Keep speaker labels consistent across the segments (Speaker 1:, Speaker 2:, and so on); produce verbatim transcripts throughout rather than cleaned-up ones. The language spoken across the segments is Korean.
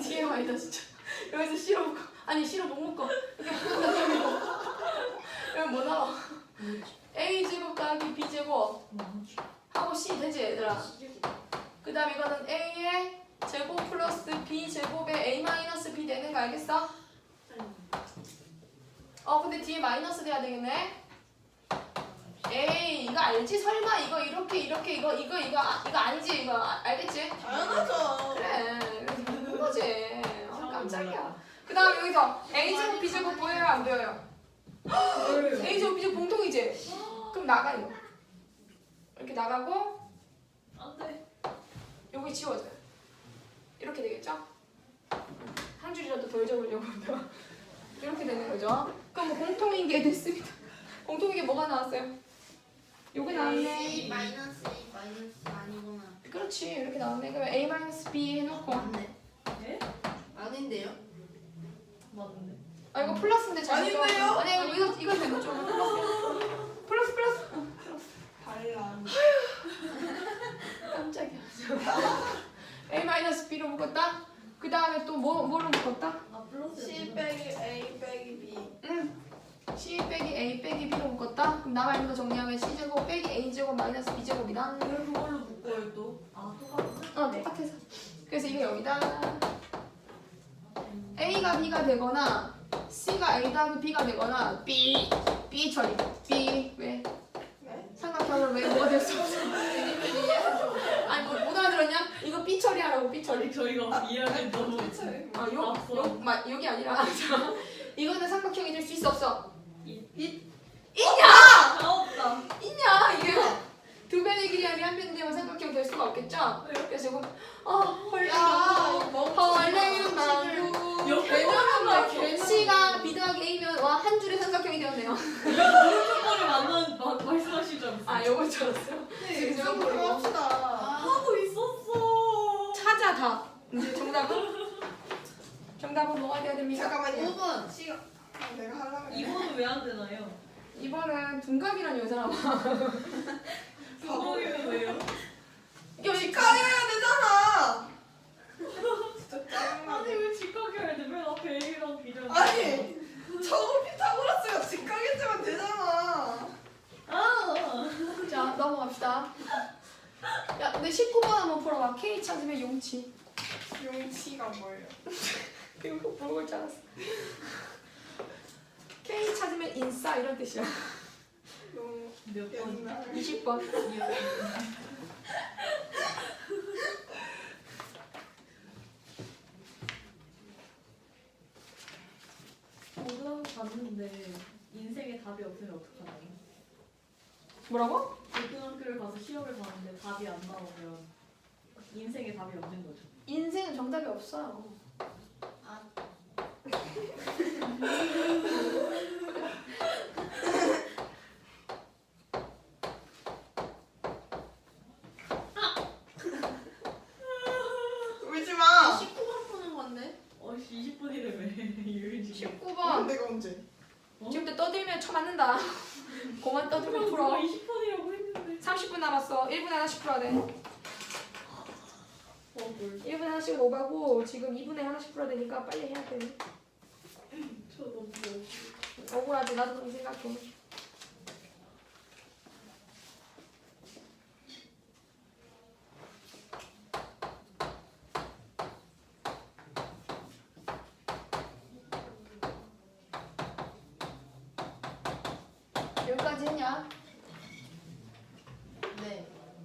Speaker 1: 뒤에 마이너스 여기서 C로 묶어. 아니 C로 못 묶어. 여기 뭐 나와? A제곱 더하기 B제곱 하고 C 되지 얘들아? 그 다음 이거는 A의 제곱 플러스 B제곱에 A 마이너스 B 되는 거 알겠어? 어 근데 뒤에 마이너스 돼야 되겠네? 에이 이거 알지? 설마 이거 이렇게 이렇게 이거 이거 이거 아, 이거 아니지 이거 아, 알겠지?
Speaker 2: 당연하죠.
Speaker 1: 그래 그런 거지. 어, 깜짝이야. 그 다음 여기서 A제곱 B제곱 보여요 안 보여요? A제곱 B제곱 공통이지? 그럼 나가 이거 이렇게 나가고
Speaker 2: 안돼.
Speaker 1: 여기 지워져요. 이렇게 되겠죠? 한 줄이라도 덜 적으려고 이렇게 되는 거죠? 그럼 뭐 공통인 게 됐습니다. 공통인 게 뭐가 나왔어요? 요게 나왔네.
Speaker 3: A 마이너스 A 마이너스 아니구나.
Speaker 1: 그렇지 이렇게 나왔네. 그럼 A 마이너스 B 해놓고
Speaker 3: 맞네.
Speaker 2: 네?
Speaker 3: 아닌데요?
Speaker 2: 맞는데.
Speaker 1: 아 이거 플러스인데 잘못 적었어.
Speaker 2: 아닌데요?
Speaker 1: 아니 이거 이거 이거 잘못 적었어. 플러스 플러스 플러스. 어, 플러스.
Speaker 2: 발랑.
Speaker 1: 깜짝이야. A 마이너스 B로 묶었다. 그 다음에 또 뭐 뭐로 묶었다?
Speaker 2: 아 플러스.
Speaker 3: C
Speaker 2: 빼기 A 빼기 B.
Speaker 1: 응. C 빼기 A 빼기 B로 묶었다. 그럼 남아 있는 거 정리하면 C 제곱 빼기 A 제곱 마이너스 B 제곱이다.
Speaker 2: 왜 그걸로 묶어요 또? 아 똑같은데?
Speaker 1: 어 똑같아서. 그래서 이게 여기다. A가 B가 되거나 C가 A 더하기 B가 되거나 B B 처리. B 왜?
Speaker 2: 네?
Speaker 1: 삼각형을 왜 뭐가 될 수 없어? 아니 뭐, 못 알아들었냐? 이거 B 처리하라고 B 처리.
Speaker 2: 아니 저희가 이해하기 너무.
Speaker 1: 아, 요, 요, 마, 여기 아니라 이거는 삼각형이 될 수 있어 없어?
Speaker 2: 이-
Speaker 1: 이,
Speaker 2: 아 없다.
Speaker 1: 있냐 이게 두 변의 길이 아니 한 변이 되면 삼각형 될 수가 없겠죠? 그래서 지금 어 헐레 헐레 나루 왜냐면 C가 B 더하기 A면 와 한 줄의 삼각형이 되었네요.
Speaker 2: 무릎머리 맞는 마- 말씀하실 줄 알았어요.
Speaker 1: 아 요거 들었어요?
Speaker 2: 네,
Speaker 1: 지금
Speaker 2: 그럼 합시다. 하고 있었어.
Speaker 1: 찾아 다 이제 정답은? 정답은 뭐가 돼야 됩니까?
Speaker 2: 잠깐만요.
Speaker 3: 오 번.
Speaker 2: 시간. 아, 내가 하려고 했는데.
Speaker 4: 이번은 왜 안 되나요?
Speaker 1: 이번은 둔갑이라는 여자라고
Speaker 4: 이번은 왜요?
Speaker 1: 이게
Speaker 2: 직항해야 되잖아. 진짜 짜증나.
Speaker 4: 아니 왜 직각해야 돼? 맨 앞에 A랑 B랑
Speaker 2: 아니 저거 피타고라스가 직항했으면 되잖아.
Speaker 4: 아
Speaker 1: 자 넘어갑시다. 야 근데 십구 번 한번 풀어봐. K 찾으면 용치.
Speaker 2: 용치가 뭐예요?
Speaker 1: 이거 모를 줄 알았어. K 찾으면 인싸 이런 뜻이야.
Speaker 2: 용
Speaker 4: 몇 번?
Speaker 2: 옛날.
Speaker 1: 이십 번.
Speaker 4: 고등학교 갔는데 인생에 답이 없으면 어떡하나요?
Speaker 1: 뭐라고?
Speaker 4: 고등학교를 가서 시험을 봤는데 답이 안 나오면 인생에 답이 없는 거죠.
Speaker 1: 인생은 정답이 없어요.
Speaker 3: 아.
Speaker 2: 울지 마.
Speaker 3: 십구 번 푸는 건데.
Speaker 4: 어씨 이십 분이래 왜 유일지.
Speaker 1: 십구 번.
Speaker 2: 내가 언제?
Speaker 1: 지금부터 떠들면 쳐 맞는다. 그만 떠들면 풀어.
Speaker 4: 이십 분이라고 했는데.
Speaker 1: 삼십 분 남았어. 일 분에 하나씩 풀어야 돼.
Speaker 4: 어 뭘?
Speaker 1: 일 분에 하나씩은 오바고 지금 이 분에 하나씩 풀어야 되니까 빨리 해야 돼.
Speaker 4: 저 너무 뭐.
Speaker 1: 억울하지. 나도 그렇게 생각해. 여기까지 했냐?
Speaker 3: 네.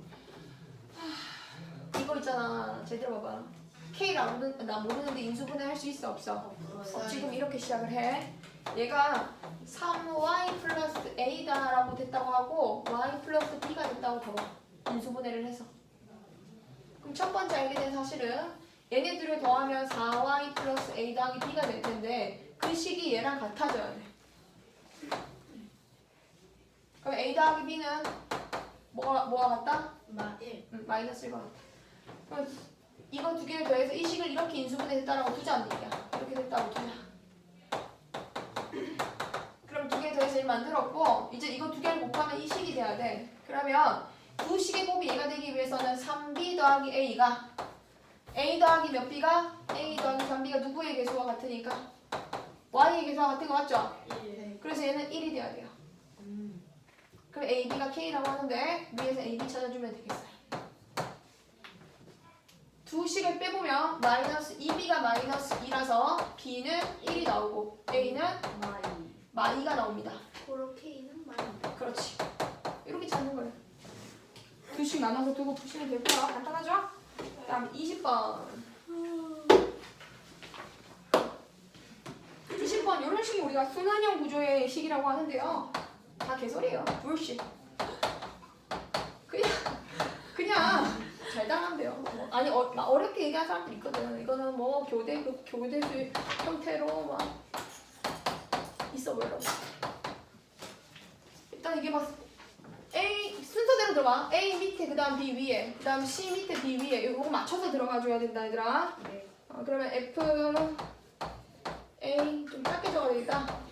Speaker 1: 이거 있잖아. 제대로 봐봐. K를 안 모르, 나 모르는데 인수분해 할 수 있어 없어? 어, 지금 이렇게 시작을 해. 얘가 삼 와이 플러스 A다라고 됐다고 하고 Y 플러스 B가 됐다고 봐봐. 인수분해를 해서. 그럼 첫 번째 알게 된 사실은 얘네들을 더하면 사 와이 플러스 A 더하기 B가 될 텐데 그 식이 얘랑 같아져야 돼. 그럼 A 더하기 B는 뭐가, 뭐가 같다?
Speaker 3: 마 일.
Speaker 1: 응, 마이너스 일과 같아. 그럼 이거 두 개를 더해서 이 식을 이렇게 인수분해했다라고 두자는 얘기야. 이렇게 됐다고 두자. 그럼 두 개 더해서 일 만들었고 이제 이거 두 개를 곱하면 이 식이 돼야 돼. 그러면 두 식의 곱이 얘가 되기 위해서는 삼 비 더하기 A가 A 더하기 몇 B가 A 더하기 삼 B가 누구의 개수와 같으니까 Y의 개수와 같은 거 맞죠?
Speaker 3: 네.
Speaker 1: 그래서 얘는 일이 돼야 돼요.
Speaker 3: 음.
Speaker 1: 그럼 A, B가 K라고 하는데 위에서 A, B 찾아주면 되겠어요. 두 식을 빼보면 마이너스 이 B가 마이너스 이라서 B는 일이 나오고 A는
Speaker 3: 마이.
Speaker 1: 마이가 나옵니다.
Speaker 3: 그렇게는 마이.
Speaker 1: 그렇지. 이렇게 찾는 거예요. 두 식 나눠서 두고 푸시면 되고요. 간단하죠? 다음 이십 번. 이십 번 이런 식이 우리가 순환형 구조의 식이라고 하는데요. 다 개소리예요. 불식. 그냥 그냥 잘 당하면 돼요. 뭐, 아니 어, 막 어렵게 얘기하는 사람들 있거든. 이거는 뭐 교대 그 교대수 형태로 막 있어 보이라고. 일단 이게 막 A 순서대로 들어가. A 밑에 그다음 B 위에 그다음 C 밑에 B 위에 이거 맞춰서 들어가줘야 된다 얘들아.
Speaker 3: 네.
Speaker 1: 어, 그러면 F A 좀 짧게 적어야 되겠다.